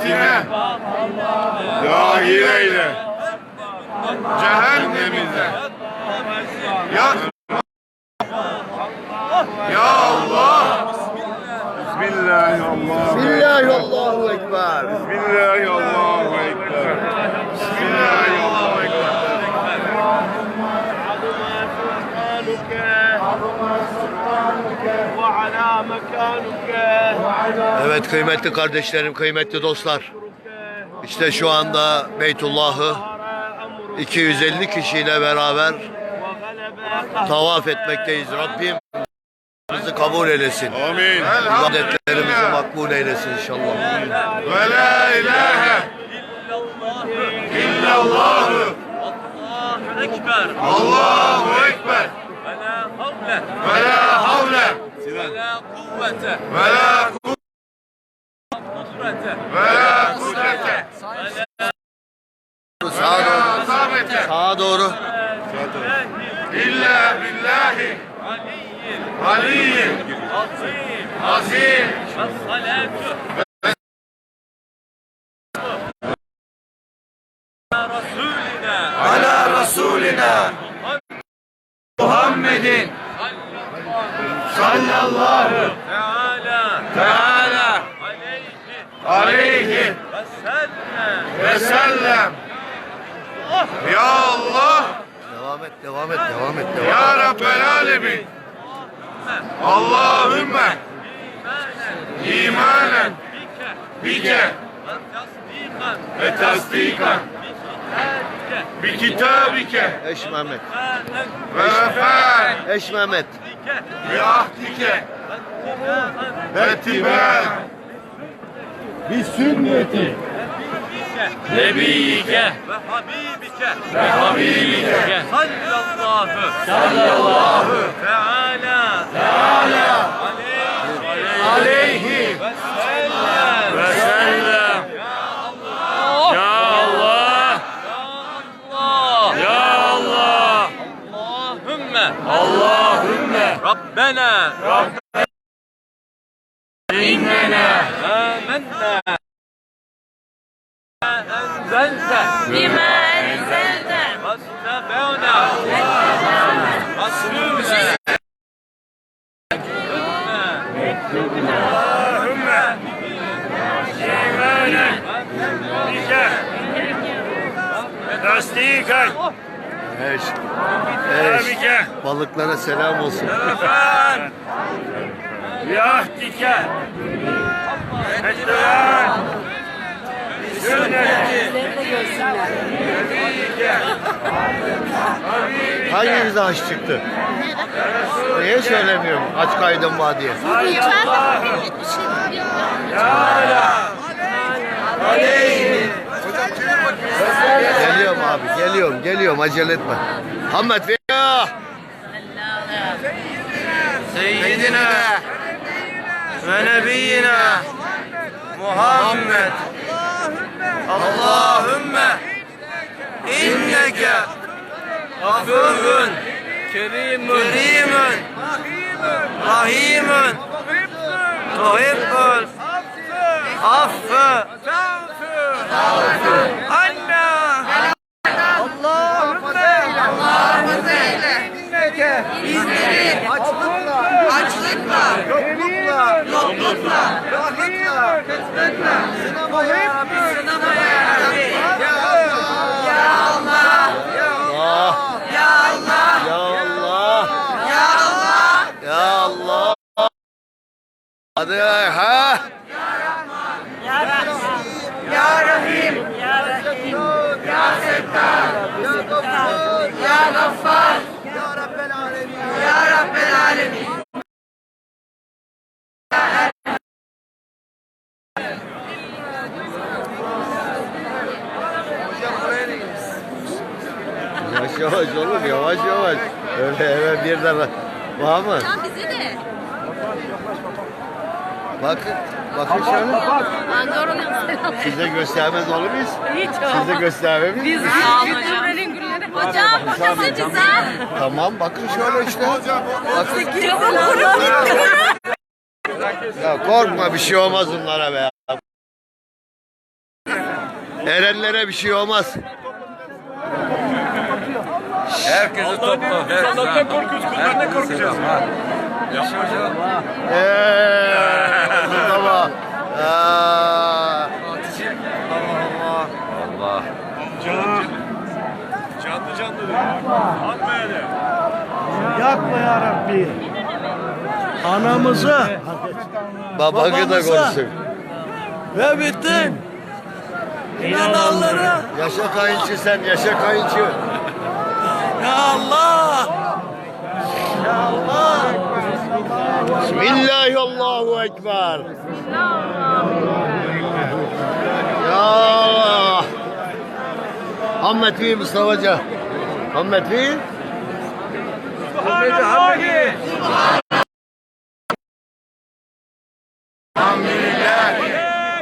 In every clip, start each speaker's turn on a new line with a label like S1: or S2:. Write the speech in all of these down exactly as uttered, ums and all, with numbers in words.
S1: cennetine dahil eyle. Cehennemize yakma. Ya Allah. Bismillahirrahmanirrahim.
S2: Bismillahirrahmanirrahim. Ekber.
S1: Bismillahirrahmanirrahim. Bismillahirrahmanirrahim.
S2: Evet kıymetli kardeşlerim, kıymetli dostlar. İşte şu anda Beytullah'ı iki yüz elli kişiyle beraber tavaf etmekteyiz. Rabbim bizi kabul eylesin.
S1: Amin.
S2: İbadetlerimizi makbul eylesin inşallah.
S1: Ve la ilahe illallah.
S3: Allahu Ekber.
S1: Allahu Ekber.
S3: Ve la havle.
S1: Ve la havle.
S3: Ve la kuvvete.
S1: Ve la
S3: Kudrete.
S1: Ve la kudrete.
S2: Sağa doğru.
S1: Sabete.
S2: Sağa doğru.
S1: İlla billahi
S3: Aliyyil.
S1: aliyyil
S3: Azim.
S1: azim.
S3: Ve salatu. Resulina.
S1: Ala Resulina Muhammedin sallallahu
S3: Teala.
S1: teala
S3: Aleyhi.
S1: aleyhi
S3: Ve sellem.
S1: ve sellem. Ya Allah,
S2: Devam et, devam et, devam et, devam et.
S1: Ya Rabbel Alemin. Allahümme imanen bike ve tasdikan bi kitabike
S2: Eş Mehmet.
S1: ve vefaen
S2: Eş Mehmet.
S1: bi ahdike ve tibâen bi sünneti
S3: Nebiyike ve habibike ve habibike sallallahu
S1: sallallahu
S3: teala
S1: teala
S3: aleyhi
S1: aleyhi
S3: ve sellem
S1: ve sellem. Ya Allah,
S3: Allah
S1: Ya Allah,
S3: Allahümme
S1: Allahümme
S3: Rabbena
S1: Rabbena innena
S3: amenna enzelte
S4: بما أنزلت
S3: واتبعنا رسولنا
S1: Allahümme imanen bike tasdikan
S2: Eş. Eş.
S1: bike
S2: Balıklara selam olsun.
S1: vefaen bi ahdike ve tibâen bi sünneti nebiyike
S2: Hanginize aç çıktı? Niye söylemiyorum? Aç kaydım var diye.
S1: teala aleyhi
S2: Geliyorum abi, geliyorum, geliyorum. Acele etme. Hammet ve ya.
S1: Seyyidina ve nebiyyina Muhammed. Allahümme inneke afuvun
S3: kerimun
S1: kerimun rahimun tuhibbul affı anna Allahümme inneke bizleri açlıkla, açlıkla, yoklukla, yoklukla, yoklukla, kötülükle, sınamaya, sınamaya Rabbi. Ya Allah, ya Allah,
S2: Allah,
S1: ya Allah,
S2: ya Allah,
S1: ya Allah,
S2: ya Allah. Hadi ha.
S1: Ya Rahim, ya Rahim, ya Settar, ya Gaffar, ya Gaffar, ya Rabbel Alemin, ya Rabbel Alemin.
S2: Yavaş yavaş oğlum, yavaş yavaş. Öyle hemen birden var mı?
S4: Tam bize de.
S2: Bakın, bakın şöyle.
S4: Andorra'nın selam.
S2: Size göstermez olur muyuz?
S4: Hiç
S2: Size göstermemiz mi?
S4: Sağ olun hocam. Hocam bakın bize.
S2: Tamam, bakın şöyle işte. Bakın.
S4: Camın kurup gitti.
S2: Ya korkma, bir şey olmaz onlara be. Erenlere bir şey olmaz.
S3: Herkesi topla.
S5: Allah'tan korkuyoruz, kullarından korkacağız.
S2: Eee Mustafa. Aa. Allah.
S5: Canım. Canlı canlı diyor. Atma hele.
S1: Yapma ya Rabbi. Anamızı
S2: Babakı da
S1: Babamıza.
S2: konuşsun.
S1: ve bütün inananları
S2: Yaşa kayınçı sen, yaşa kayınçı.
S1: ya Allah. Ya Allah.
S2: Bismillahi Allahu Ekber. Ya Allah. Hammet Bey Mustafa'ca. Hammet Bey.
S5: Subhanallahi.
S2: Elhamdülillah.
S5: La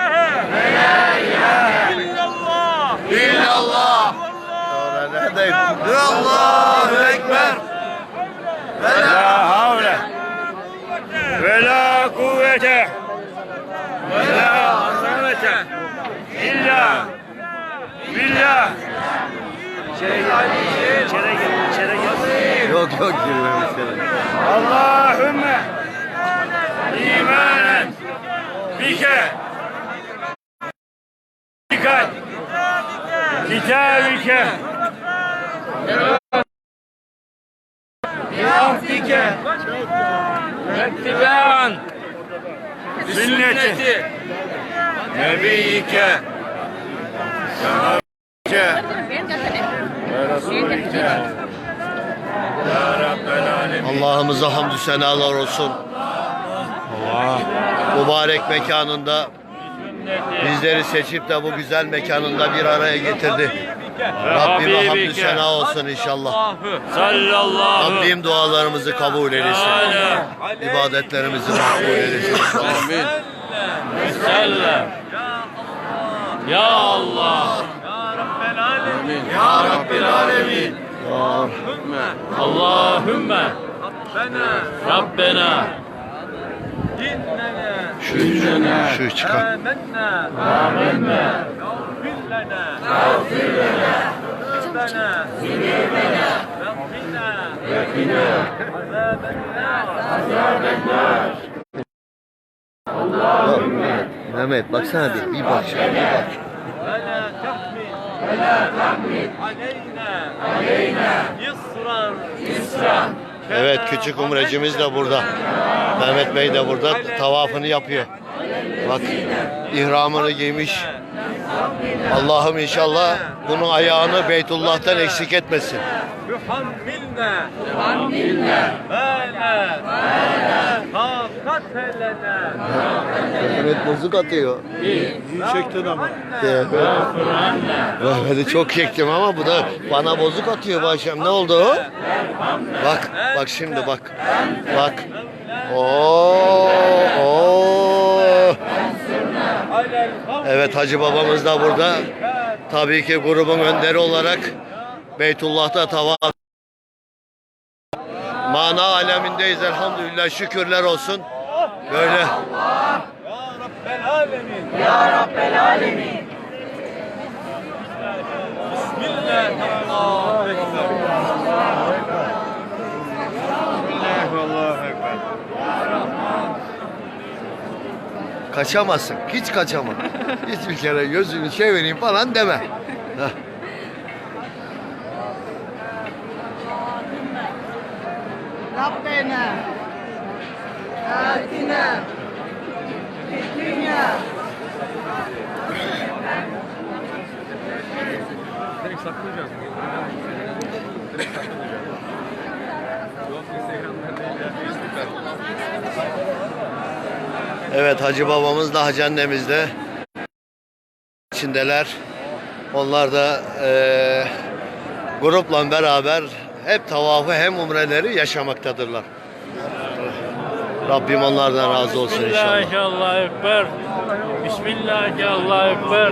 S5: ilahe. İllallah.
S2: İllallah. Sonra neredeyim? Allahu Ekber.
S5: La havle. Ve la kuvvete. Ve la azamete. İlla. Billah. İçeri gel. İçeri gel. İçeri gel.
S2: Yok yok girmemişler.
S5: Allahümme imanen bike dikkat kitabike ahdike vettibaan sünneti nebiyike ya Rabbel alemin.
S2: Allah'ımıza hamdü senalar olsun. Mübarek mekanında bizleri seçip de bu güzel mekanında bir araya getirdi. Rabbime hamdü sena olsun inşallah.
S5: Sallallahu
S2: Rabbim dualarımızı kabul eylesin. İbadetlerimizi makbul eylesin. Amin.
S5: sellem. Ya Allah.
S2: Ya Rabbil Alemin.
S5: Allahümme Rabbena
S2: Şu, şu çıkar.
S5: Amenna
S2: Yok, Mehmet baksana bir, bir bak şuna bir bak. Evet küçük umrecimiz de burada. Mehmet Bey de burada tavafını yapıyor. Bak ihramını giymiş. Allah'ım inşallah bunun ayağını Beytullah'tan eksik etmesin.
S3: Yuhammilna Yuhammilna Bala Bala Katelena
S2: Evet bozuk atıyor.
S1: İyi çektin ama.
S2: Evet. Mehmet'i çok çektim ama bu da bana bozuk atıyor bu akşam. Ne oldu o? Bak, bak şimdi bak. Bak. Oo, oo. Evet Hacı babamız da burada. Tabii ki grubun önderi olarak Beytullah'ta tavaf. Mana alemindeyiz elhamdülillah, şükürler olsun. Böyle.
S3: Ya Rabbel Alemin
S1: Ya Rabbel Alemin.
S3: Bismillah Allahu Ekber
S5: Allahu Ekber.
S2: Kaçamazsın. Hiç kaçama. Hiçbir kere gözünü çevireyim falan deme. Heh.
S1: Rabbena. Atina. Dünya.
S3: Direkt saklayacağız. Direkt saklayacağız. Yok Instagram'da değil ya.
S2: Evet Hacı babamız da Hacı annemiz de içindeler. Onlar da eee grupla beraber hep tavafı hem umreleri yaşamaktadırlar. Rabbim onlardan razı olsun inşallah.
S5: Bismillah Allahu Ekber. Bismillah Allahu Ekber.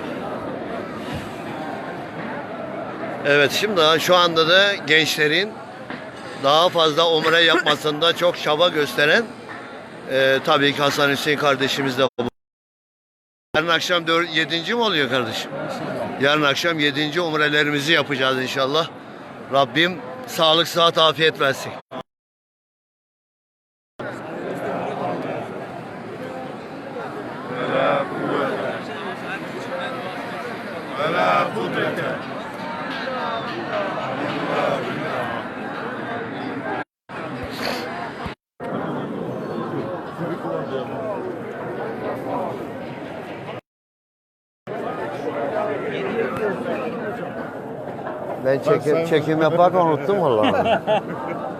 S2: Evet şimdi şu anda da gençlerin daha fazla umre yapmasında çok çaba gösteren e, tabii ki Hasan Hüseyin kardeşimiz de bu. Yarın akşam yedinci mi oluyor kardeşim? Yarın akşam yedinci umrelerimizi yapacağız inşallah. Rabbim sağlık, sıhhat, afiyet versin. Ben çekim, çekim yaparken unuttum vallahi.